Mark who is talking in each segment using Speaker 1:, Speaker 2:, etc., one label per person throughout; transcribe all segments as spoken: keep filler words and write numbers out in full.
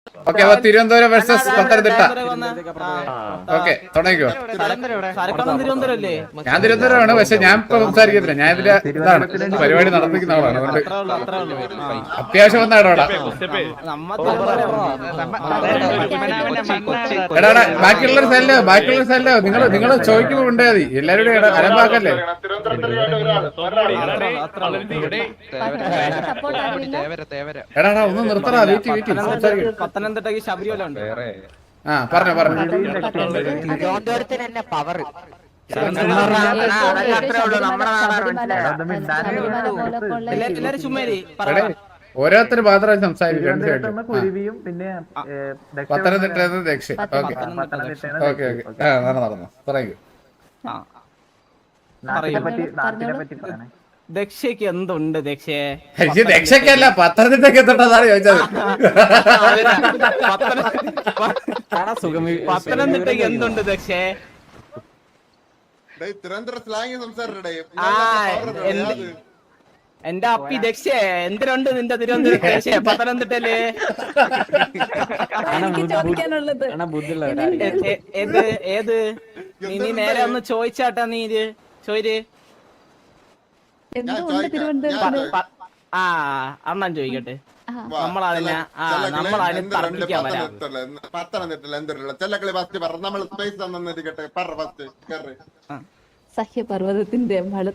Speaker 1: Okay, അപ്പൊ Thiruvananthapuram versus Pathanamthitta. Okay, തുടങ്ങിക്കോ. ഞാൻ തിരുവനന്തപുരമാണ്, പക്ഷെ ഞാൻ ഇപ്പൊ സംസാരിക്കത്തില്ല. ഞാൻ ഇതിന്റെ ഇതാണ് പരിപാടി നടത്തിക്കുന്ന ആളാണ്. അതുകൊണ്ട് അത്യാവശ്യം വന്ന ഇടപെടാ. എടാ, ബാക്കിയുള്ളൊരു സ്ഥലോ ബാക്കിയുള്ള സ്ഥലോ നിങ്ങൾ നിങ്ങൾ ചോദിക്കുമ്പോ ഉണ്ടാ മതി. എല്ലാവരും അലമ്പാക്കല്ലേ. എടാ ഒന്ന് നിർത്തടാ. വീട്ടി വീട്ടി
Speaker 2: പത്തനംതിട്ടയ്ക്ക് ശബരിമല ഉണ്ട്.
Speaker 1: ആ പറഞ്ഞോ പറഞ്ഞോ.
Speaker 3: തിരുവനന്തപുരത്തിന് തന്നെ പവർ.
Speaker 2: എല്ലാരും ചുമ്മാരി
Speaker 1: ഓരോരുത്തർ മാത്രം സംസാരിക്കും. പത്തനംതിട്ട ദക്ഷിണ. Okay okay okay. ആ നടന്നു നടന്നു പറയൂ.
Speaker 2: ദക്ഷയ്ക്ക് എന്തുണ്ട് ദക്ഷയെ?
Speaker 1: ദക്ഷക്കല്ല, പത്തനംതിട്ടയ്ക്ക് എന്തുണ്ടെന്നാണ് ചോദിച്ചത്.
Speaker 2: പത്തനംതിട്ടയ്ക്ക് എന്തുണ്ട് ദക്ഷയെ? എന്റെ അപ്പി ദക്ഷേ എന്തിനുണ്ട് നിന്റെ തിരുവനന്തപുരം ദക്ഷേ പത്തനംതിട്ടയില്? ഏത് ഏത് നീ നേരെ ഒന്ന് ചോദിച്ചാട്ടാ. നീ ഇത് ചോര്. ആ അണ്ണൻ ചോദിക്കട്ടെ. നമ്മളതിനെ ആ നമ്മളതിനെ തർക്കിക്കാൻ വരാം.
Speaker 4: സഹ്യപർവ്വതത്തിന്റെ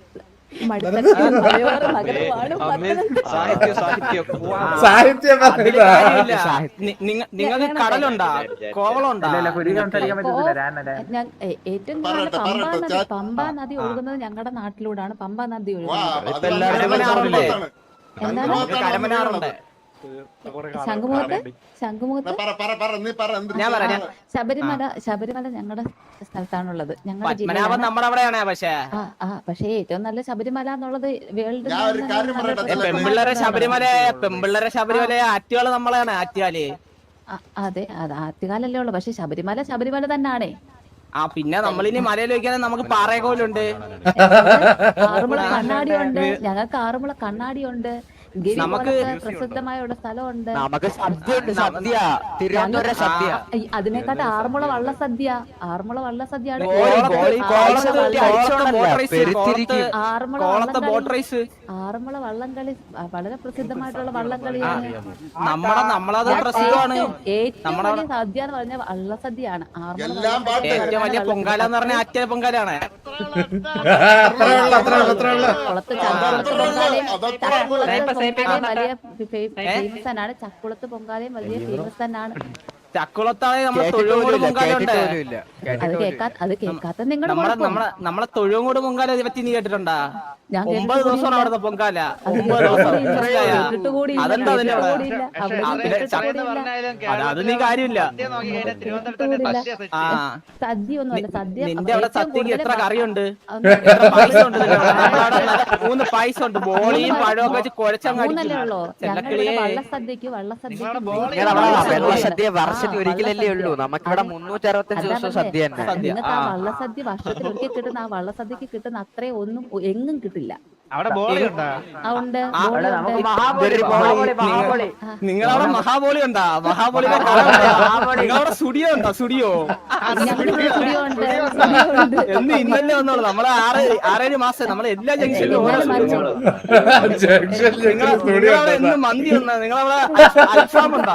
Speaker 2: നിങ്ങൾക്ക് കടലുണ്ടാ കോവളുണ്ടാ?
Speaker 4: ഏറ്റവും കൂടുതൽ പമ്പാ നദി പമ്പാ നദി ഒഴുകുന്നത് ഞങ്ങളുടെ നാട്ടിലൂടെയാണ്. പമ്പാ നദി ഒഴുകുന്നത്
Speaker 2: കരമനാറുണ്ട്.
Speaker 4: ശംഖുമുഖത്ത് ശംഖുമുഖത്ത് ശബരിമല ശബരിമല ഞങ്ങളുടെ സ്ഥലത്താണുള്ളത്. ഞങ്ങളുടെ
Speaker 2: നമ്മുടെ അവിടെയാണ്. പക്ഷേ
Speaker 4: ആ പക്ഷേ ഏറ്റവും നല്ല ശബരിമല എന്നുള്ളത് വേൾഡ്
Speaker 2: പെമ്പിള്ളേരെ ശബരിമല പെമ്പിള്ളേരെ ശബരിമല ആറ്റുകാല് നമ്മളാണ്. ആറ്റുകാല്
Speaker 4: അതെ അത് ആറ്റുകാലല്ലേ ഉള്ളു. പക്ഷെ ശബരിമല ശബരിമല തന്നെയാണേ.
Speaker 2: ആ പിന്നെ നമ്മളിനി മലയിൽ വയ്ക്കാൻ നമുക്ക് പാറയകോലുണ്ട്,
Speaker 4: ആറുമുള കണ്ണാടിയുണ്ട്. ഞങ്ങൾക്ക് ആറുമുള കണ്ണാടിയുണ്ട്. നമുക്ക് പ്രസിദ്ധമായ ഒരു സ്ഥലമുണ്ട്. അതിനെക്കാട്ട് ആറന്മുള വള്ള സദ്യ. ആറന്മുള വള്ള സദ്യയാണ്. ആറന്മുള വള്ളംകളി വളരെ പ്രസിദ്ധമായിട്ടുള്ള വള്ളംകളിയാണ്. ഏറ്റവും വലിയ സദ്യ എന്ന് പറഞ്ഞ വള്ളസദ്യയാണ്.
Speaker 2: ഏറ്റവും വലിയ പൊങ്കാല എന്ന് പറഞ്ഞ ആറ്റ പൊങ്കാലാണ്.
Speaker 4: കുളത്ത് ചക്കുളത്ത് വലിയ ഫേമസ് ആണ്. ചക്കുളത്ത് പൊങ്കാലയും വലിയ ഫേമസ് തന്നെയാണ്.
Speaker 2: ചക്കുളത്താണ് നമ്മളെ തൊഴുകോട് പൊങ്കാല ഉണ്ട്.
Speaker 4: അത് കേൾക്കാ അത് കേൾക്കാത്ത നിങ്ങളുടെ
Speaker 2: നമ്മളെ തൊഴുകോട് പൊങ്കാല പറ്റി നീ കേട്ടിട്ടുണ്ടാ? ഒമ്പത് ദിവസമാണ് അവിടുത്തെ പൊങ്കാല. ഒമ്പത് ദിവസം അതെന്താ അതിന്റെ അത് നീ കാര്യമില്ല.
Speaker 4: സദ്യ ഒന്നുമല്ല. സദ്യ
Speaker 2: നിന്റെ അവിടെ സദ്യക്ക് എത്ര കറിയുണ്ട്, എത്ര പായസം ഉണ്ട്? മൂന്ന് പായസം ഉണ്ട്. ബോളിയും പഴമൊക്കെ വെച്ച് കുഴച്ചങ്ങല്ലേ ഉള്ളൂ.
Speaker 4: വള്ളസദ്യക്ക് വള്ളസദ്യ
Speaker 3: വർഷത്തിൽ ഒരിക്കലല്ലേ ഉള്ളൂ. നമുക്കിവിടെ മുന്നൂറ്റി അറുപത്തഞ്ച് ദിവസം സദ്യ തന്നെ.
Speaker 4: നിങ്ങൾക്ക് ആ വള്ളസദ്യ വർഷത്തിൽ ഒരിക്കൽ കിട്ടുന്ന ആ വള്ളസദ്യക്ക് കിട്ടുന്ന അത്രയും ഒന്നും എങ്ങും കിട്ടില്ല.
Speaker 2: നിങ്ങളവിടെ മഹാബോളി ഉണ്ടാ? മഹാബോളി നിങ്ങളവിടെ സ്റ്റുഡിയോ ഉണ്ടോ? സ്റ്റുഡിയോ എന്ന് ഇന്നല്ലേ വന്നോളൂ. നമ്മളെ ആറ് ആറേഴ് മാസം നമ്മളെ എല്ലാ ജംഗ്ഷനിലും എന്നും മന്തി ഉണ്ടോ? നിങ്ങളവിടെ അൽഫാം ഉണ്ടോ?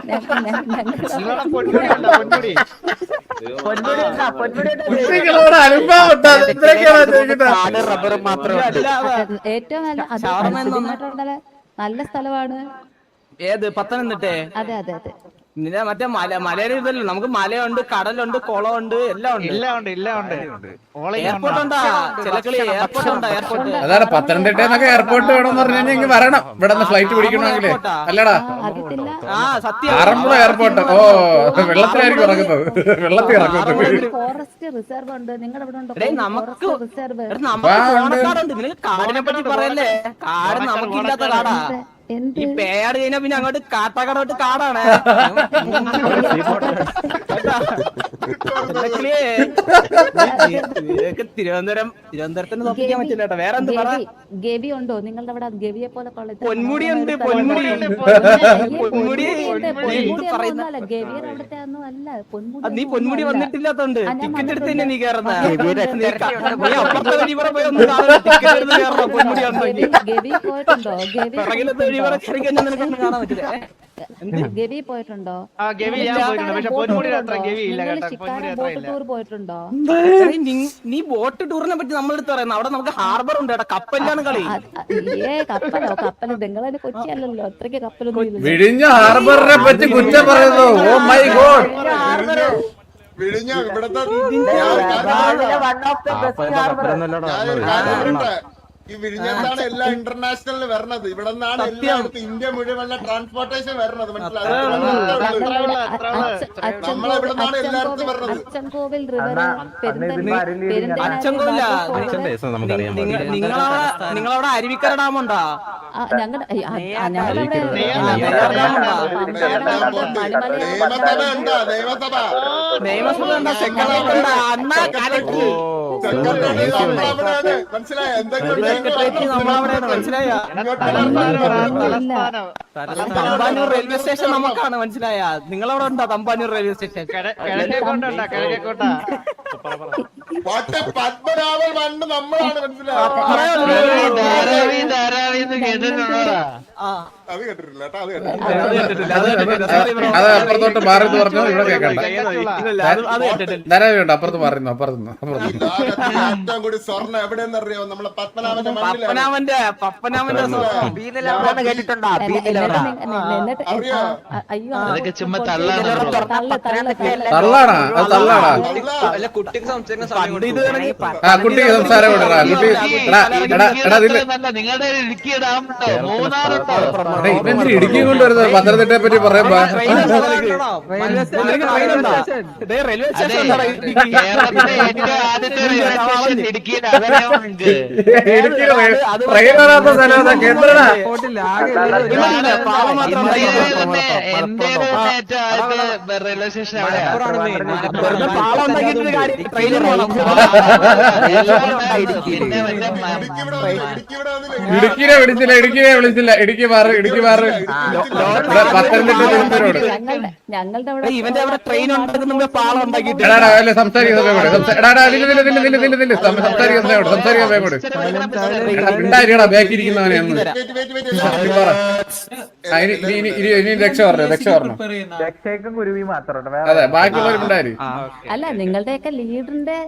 Speaker 3: റബ്ബറും മാത്രമേ
Speaker 4: ഏറ്റവും നല്ല നല്ല സ്ഥലമാണ്.
Speaker 2: ഏത്? പത്തനംതിട്ട?
Speaker 4: അതെ അതെ അതെ.
Speaker 2: നിന്നെ മറ്റേ മല മലയുടെ ഇതല്ലോ. നമുക്ക് മലയുണ്ട്, കടലുണ്ട്, കുളമുണ്ട്, എല്ലാം ഉണ്ട്. എയർപോർട്ട് ഉണ്ടാ? ചിലക്കളി എയർപോർട്ട് ഉണ്ടാ? എയർപോർട്ട്
Speaker 1: അതാണ് പത്തനംതിട്ട എയർപോർട്ട് വേണമെന്ന് പറഞ്ഞു കഴിഞ്ഞാൽ ഇങ്ങ് വരണം. ഇവിടെ നിന്ന് ഫ്ലൈറ്റ് പിടിക്കണമെങ്കിലേ. അല്ലടാ,
Speaker 2: ആ സത്യം.
Speaker 1: ആറന്മുള എയർപോർട്ട്. ഓ, വെള്ളത്തിലായിരിക്കും ഇറങ്ങുന്നത്. വെള്ളത്തിൽ ഇറങ്ങുന്നത്.
Speaker 4: ഫോറസ്റ്റ് റിസർവ് ഉണ്ട്. നിങ്ങളുടെ ഇവിടെ ഉണ്ടോ
Speaker 2: നമുക്ക്
Speaker 4: റിസർവ്?
Speaker 2: നമുക്ക് ഓണക്കാടുണ്ട്. നിങ്ങൾ കാടിനെ പറ്റി പറയല്ലേ? കാട് നമുക്കില്ലാത്ത കാടാ. ഈ പേയാട് കഴിഞ്ഞാ പിന്നെ അങ്ങോട്ട് കാട്ടാക്കടോട്ട് കാടാണ് തിരുവനന്തപുരം തിരുവനന്തപുരത്തിന് തോപ്പിക്കാൻ പറ്റില്ല കേട്ടോ. വേറെ എന്ത് പറ?
Speaker 4: ഗവി ഉണ്ടോ നിങ്ങളുടെ അവിടെ? ഗവിയെ പോലെ
Speaker 2: പൊന്മുടി ഉണ്ട്. പൊന്മുടി പൊന്മുടി
Speaker 4: ഗവിയുടെ അവിടുത്തെ ഒന്നും അല്ല. പൊന്മുടി
Speaker 2: നീ പൊന്മുടി വന്നിട്ടില്ലാത്തോണ്ട് ടിക്കറ്റ് എടുത്ത് തന്നെ നീ കയറുന്ന അപ്പുറത്തെ വഴി കൂടെ പോയി ഒന്ന് ടിക്കറ്റ് എടുത്ത് കയറണം. പൊന്മുടി
Speaker 4: ഗവി പോയിട്ടുണ്ടോ? ഗവി
Speaker 2: പിറകിലത്തെ വഴി കൂടെ കയറി കഴിഞ്ഞാൽ നിനക്കൊന്നും കാണാൻ പറ്റില്ല.
Speaker 4: ഗവി പോയിട്ടുണ്ടോ? ടൂർ പോയിട്ടുണ്ടോ?
Speaker 2: നീ ബോട്ട് ടൂറിനെ പറ്റി നമ്മളെടുത്ത് പറയുന്നത്. അവിടെ നമുക്ക് ഹാർബർ ഉണ്ട്. കപ്പലിലാണ് കളി.
Speaker 4: ഏ കപ്പലോ? കപ്പല് നിങ്ങളെ കൊച്ചി അല്ലല്ലോ, അത്രയ്ക്ക് കപ്പലൊന്നും.
Speaker 1: വിഴിഞ്ഞ ഹാർബറിനെ പറ്റി കുറ്റം പറയുന്നു. Oh my God.
Speaker 5: വിഴിഞ്ഞ ഇവിടത്തെ ഈ വിഴിഞ്ഞത്താണ് എല്ലാ ഇന്റർനാഷണലിൽ വരണത്. ഇവിടെ നിന്നാണ് എല്ലായിടത്തും ഇന്ത്യ മുഴുവൻ ട്രാൻസ്പോർട്ടേഷൻ വരണത്. മനസ്സിലായി? നമ്മളെവിടെ നിന്നാണ് എല്ലായിടത്തും വരണത്.
Speaker 4: അച്ചൻകോവിൽ റിവർ,
Speaker 2: നിങ്ങളവിടെ അരുവിക്കര ഡാമുണ്ടോ?
Speaker 4: ഞങ്ങളുടെ ഞങ്ങളുടെ
Speaker 5: നിയമസഭ ഉണ്ടോ? നിയമസഭ
Speaker 2: നിയമസഭ ഉണ്ടോ? സെക്രട്ടറി ഉണ്ടോ? അണ്ണാ കലക്കി
Speaker 5: മനസ്സിലായോ? എന്തൊക്കെ
Speaker 2: നമ്മളവിടെയാണ്. മനസ്സിലായ? തമ്പാനൂർ റെയിൽവേ സ്റ്റേഷൻ നമുക്കാണ്. മനസ്സിലായ? നിങ്ങളവിടെ ഉണ്ടോ തമ്പാനൂർ റെയിൽവേ സ്റ്റേഷൻ?
Speaker 5: പത്മനാഭൻ പണ്ട് നമ്മളാണ്. മനസ്സിലായോ? അത് കേട്ടിട്ടില്ല കേട്ടോ. അത്
Speaker 1: അത് അപ്പുറത്തോട്ട് മാറി പറഞ്ഞു. ഇവിടെ കേൾക്കണ്ട. ധാരാളം അപ്പുറത്ത് മാറുന്നു. അപ്പുറത്തുനിന്ന്
Speaker 5: ഏറ്റവും കൂടി സ്വർണ്ണം എവിടെയെന്ന് അറിയാമോ? നമ്മളെ പത്മനാഭന്റെ
Speaker 2: പപ്പനാമന്റെ പപ്പനാമന്റെ
Speaker 3: കേട്ടിട്ടുണ്ടോ?
Speaker 5: അറിയോ?
Speaker 4: അയ്യോ
Speaker 6: ചുമ്മാ തള്ളാണ്.
Speaker 1: തള്ളാണാ? അത് തള്ളാണാ?
Speaker 3: കുട്ടിക്ക് സംസാരിക്കുന്ന
Speaker 1: ആ കുട്ടിക്ക് സംസാരം വിടറാ. കുട്ടി
Speaker 6: നിങ്ങളുടെ ഇടുക്കി ഡാം ഉണ്ടോ? മൂന്നാറുണ്ടോ?
Speaker 1: ഇവന്തിരി ഇടുക്കി കൊണ്ടുവരുന്നത് പത്തനംതിട്ടയെ പറ്റി പറയുമ്പോ
Speaker 2: റെയിൽവേ സ്റ്റേഷൻ
Speaker 6: കേരളത്തിലെ ഏറ്റവും ആദ്യത്തെ റെയിൽവേ സ്റ്റേഷൻ ഇടുക്കിയുടെ അവരവർക്ക്
Speaker 1: ട്രെയിൻ വരാത്ത സ്ഥലം കേന്ദ്രടാ.
Speaker 6: എന്റെ ഏറ്റവും ആദ്യത്തെ റെയിൽവേ സ്റ്റേഷൻ
Speaker 1: ഇടുക്കിനെ വിളിച്ചില്ല. ഇടുക്കിനെ വിളിച്ചില്ല. ഇടുക്കി മാറ്. ഇടുക്കി മാറ്. പത്തനംതിട്ട തിരുവനന്തപുരം.
Speaker 4: ഞങ്ങളുടെ അവിടെ
Speaker 2: ഇവന്റെ അവിടെ ട്രെയിൻ ഉണ്ടാക്കുന്ന പാളം ഉണ്ടാക്കിയിട്ട്
Speaker 1: എടാടാ അല്ലെ സംസാരിക്കുന്ന സംസാരിക്കാൻ സംസാരിക്കാൻ വേഗോട് ഉണ്ടായിരിക്കടാ ബാക്കിരിക്കുന്നവനെ ഇനി രക്ഷ പറഞ്ഞു. രക്ഷ പറഞ്ഞു. അതെ ബാക്കിയുള്ളവരും ഉണ്ടായി.
Speaker 4: അല്ല നിങ്ങളുടെയൊക്കെ ലീഡറിന്റെ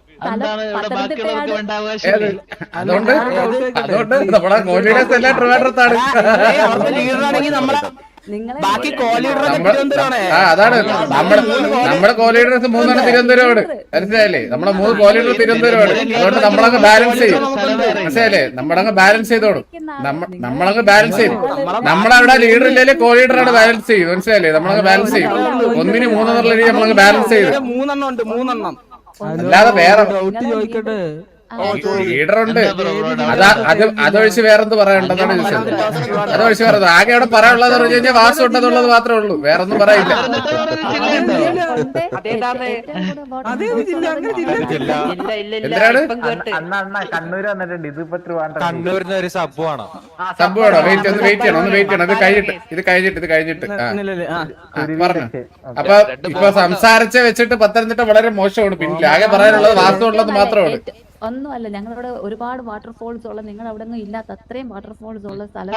Speaker 1: അതുകൊണ്ട് അതുകൊണ്ട് നമ്മുടെ കോൺഫിഡൻസ് എല്ലാം ട്രിവാൻഡ്രത്താണ്.
Speaker 2: ലീഡറാണെങ്കിൽ നമ്മളെ ബാക്കി
Speaker 1: ആ അതാണ് നമ്മുടെ നമ്മുടെ കോലീഡേഴ്സ് മൂന്നെണ്ണം തിരുവനന്തപുരമാണ്. മനസ്സിലായില്ലേ? നമ്മളെ മൂന്ന് കോലീഡർ തിരുവനന്തപുരമാണ്. അതുകൊണ്ട് നമ്മളങ്ങ് ബാലൻസ് ചെയ്യും. മനസ്സിലായില്ലേ? നമ്മളങ്ങ് ബാലൻസ് ചെയ്തോടും. നമ്മളങ്ങ് ബാലൻസ് ചെയ്യും. നമ്മളവിടെ ലീഡർ ഇല്ലേ കോലീഡറാണ് ബാലൻസ് ചെയ്യും. മനസ്സിലായില്ലേ? നമ്മളങ്ങ് ബാലൻസ് ചെയ്യും. ഒന്നിന് മൂന്നെന്നുള്ള രീതി നമ്മളങ്ങ് ബാലൻസ് ചെയ്യും.
Speaker 2: മൂന്നെണ്ണം ഉണ്ട്. മൂന്നെണ്ണം
Speaker 1: അല്ലാതെ വേറെ ലീഡറുണ്ട്. അതാ അത് അതൊഴിച്ച് വേറെന്ത് പറയണ്ടെന്നാണ് ചോദിച്ചത്. അതൊഴിച്ച് വേറെ ആകെ അവിടെ പറയാനുള്ളത് പറഞ്ഞു കഴിഞ്ഞാൽ വാസം ഉണ്ടെന്നുള്ളത് മാത്രമേ ഉള്ളൂ. വേറൊന്നും പറയില്ല. എന്തിനാണ്
Speaker 3: കണ്ണൂര് വന്നിട്ടുണ്ട്. ഇതിപ്പോ
Speaker 7: കണ്ണൂരിന് ഒരു സംഭവമാണോ?
Speaker 1: സംഭവമാണോ? വെയിറ്റ് ഒന്ന് വെയിറ്റ് ചെയ്യണം. ഒന്ന് വെയിറ്റ് ചെയ്യണം. ഇത് കഴിഞ്ഞിട്ട് ഇത് കഴിഞ്ഞിട്ട് ഇത് കഴിഞ്ഞിട്ട് പറഞ്ഞു. അപ്പൊ ഇപ്പൊ സംസാരിച്ച വെച്ചിട്ട് പത്തനംതിട്ട വളരെ മോശമാണ്. പിന്നെ ആകെ പറയാനുള്ളത് വാസം ഉള്ളത് മാത്രമാണ്.
Speaker 4: ഒന്നുമല്ല ഞങ്ങളവിടെ ഒരുപാട് വാട്ടർഫോൾസ് ഉള്ള നിങ്ങൾ അവിടെ ഒന്നും ഇല്ലാത്ത അത്രയും വാട്ടർഫോൾസ് ഉള്ള സ്ഥലം.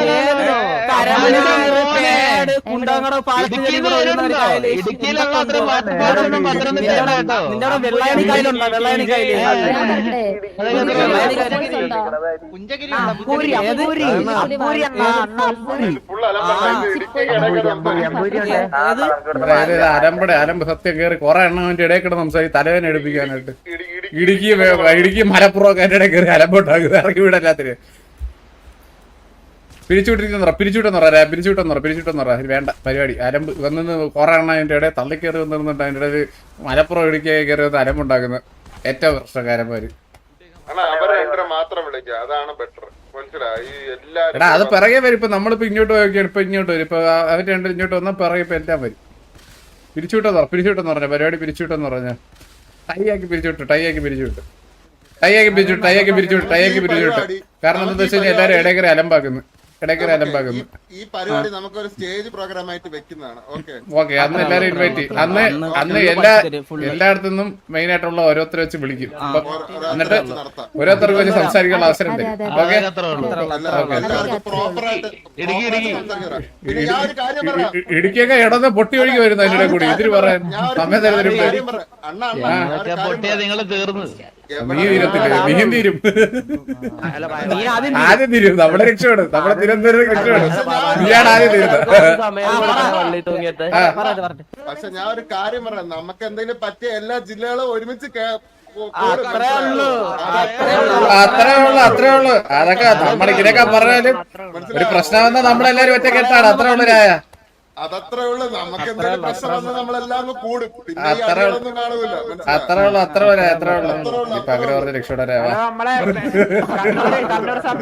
Speaker 1: അരമ്പടെ അരമ്പ് സത്യം കയറി കുറെ എണ്ണം അവന്റെ ഇടയിൽ കിടന്ന് സംസാരിക്കും തലവേന എടുപ്പിക്കാനായിട്ട്. ഇടുക്കി ഇടുക്കി മലപ്പുറം ഒക്കെ എന്റെ കയറി അലമ്പോട്ടാകും. ഇറക്കി വിടല്ലാത്തിന് പിരിച്ചുവിട്ടിരിക്കുന്ന പിരിച്ചുവിട്ടെന്ന് പറയാ പിരിച്ചുവിട്ടെന്ന് പറ പിരിച്ചുവിട്ടെന്ന് പറ വേണ്ട പരിപാടി. അലമ്പ് വന്നിന്ന് കുറെ എണ്ണം അതിന്റെ ഇടയിൽ തള്ളിക്കയറി വന്നിരുന്നുണ്ട്. അതിന്റെ ഇടയിൽ മലപ്പുറം ഇടുക്കി കയറി വന്ന് അലമ്പുണ്ടാക്കുന്ന ഏറ്റവും പ്രശ്നക്കാരന്മാര്.
Speaker 5: അവരെ മാത്രം വിളിക്കുക. അതാണ് ബെറ്റർ. മനസ്സിലായി എല്ലാ
Speaker 1: എടാ അത് പിറകെ വരും. ഇപ്പൊ നമ്മളിപ്പോ ഇങ്ങോട്ട് പോയൊക്കെയാണ്. ഇപ്പൊ ഇങ്ങോട്ട് വരും. ഇപ്പൊ അവർ രണ്ട് ഇങ്ങോട്ട് വന്നാൽ പിറകെ ഇപ്പൊ എല്ലാം വരും. പിരിച്ചുവിട്ടെന്ന് പിരിച്ചുവിട്ടെന്ന് പറഞ്ഞ പരിപാടി പിരിച്ചുവിട്ടെന്ന് പറഞ്ഞ ടൈ ആക്കി പിരിച്ചുവിട്ടു. ടൈ ആക്കി പിരിച്ചുവിട്ടു. ടൈ ആക്കി പിരിച്ചുവിട്ടു. ടൈ ആക്കി പിരിച്ചുവിട്ടു. ടൈ ആക്കി പിരിച്ചുവിട്ടു. കാരണം എന്താ വെച്ച് കഴിഞ്ഞാൽ എല്ലാരും ഇടയ്ക്കര അലമ്പാക്കുന്നു. ഇടയ്ക്കര അലമ്പാക്കുന്നു.
Speaker 5: ഈ പരിപാടി നമുക്കൊരു സ്റ്റേജ് പ്രോഗ്രാം ആയിട്ട് വെക്കുന്നതാണ്. ഓക്കെ
Speaker 1: ഓക്കെ അന്ന് എല്ലാരും ഇൻവൈറ്റ് ചെയ്യും. അന്ന് അന്ന് എല്ലാ എല്ലായിടത്തുനിന്നും മെയിൻ ആയിട്ടുള്ള ഓരോരുത്തരെ വെച്ച് വിളിക്കും. അപ്പൊ എന്നിട്ട് ഓരോരുത്തർക്ക് വെച്ച് സംസാരിക്കാനുള്ള അവസരം തരും. ഓക്കെ ഇടുക്കിയൊക്കെ ഇടന്ന് പൊട്ടി ഒഴുകി വരുന്നു അതിന്റെ കൂടി ഇതിന് പറയാൻ സമയം തരുന്നതിന്
Speaker 6: നിങ്ങൾ തീർന്നു
Speaker 1: നീ തീരത്തില്ല. നീയും തീരും. ആദ്യം തീരും. നമ്മുടെ രക്ഷപ്പെടും. നമ്മുടെ തിരുവനന്തപുരം രക്ഷപ്പെടും. നീയാണ് ആദ്യം തീരുന്നത്.
Speaker 5: പക്ഷെ ഞാൻ ഒരു കാര്യം പറയാം, നമുക്ക് എന്തെങ്കിലും പറ്റിയ എല്ലാ ജില്ലകളും ഒരുമിച്ച്
Speaker 1: അത്രേ ഉള്ളു അത്രേ ഉള്ളു. അതൊക്കെ നമ്മുടെ ഇതിനൊക്കെ പറഞ്ഞാലും ഒരു പ്രശ്നം വന്നാൽ നമ്മളെല്ലാരും ഒറ്റ കെട്ടാണ്. അത്രേ ഉള്ളു രായ.
Speaker 5: അതത്രേ ഉള്ളു. നമുക്ക് എന്തെങ്കിലും പ്രശ്നം വന്നാൽ നമ്മളെല്ലാം കൂടും. പിന്നെ
Speaker 1: അത്രേ ഉള്ളു അത്രേ ഉള്ളു അത്രേ ഉള്ളു അത്രേ ഉള്ളു. ഇപ്പൊ അങ്ങനെ പറഞ്ഞ രക്ഷപ്പെടാ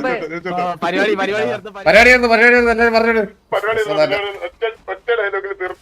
Speaker 1: പരിപാടി പരിപാടി പരിപാടി എല്ലാവരും പറഞ്ഞോളൂ.
Speaker 5: ഒറ്റ ഡയലോഗിൽ തീർന്നു.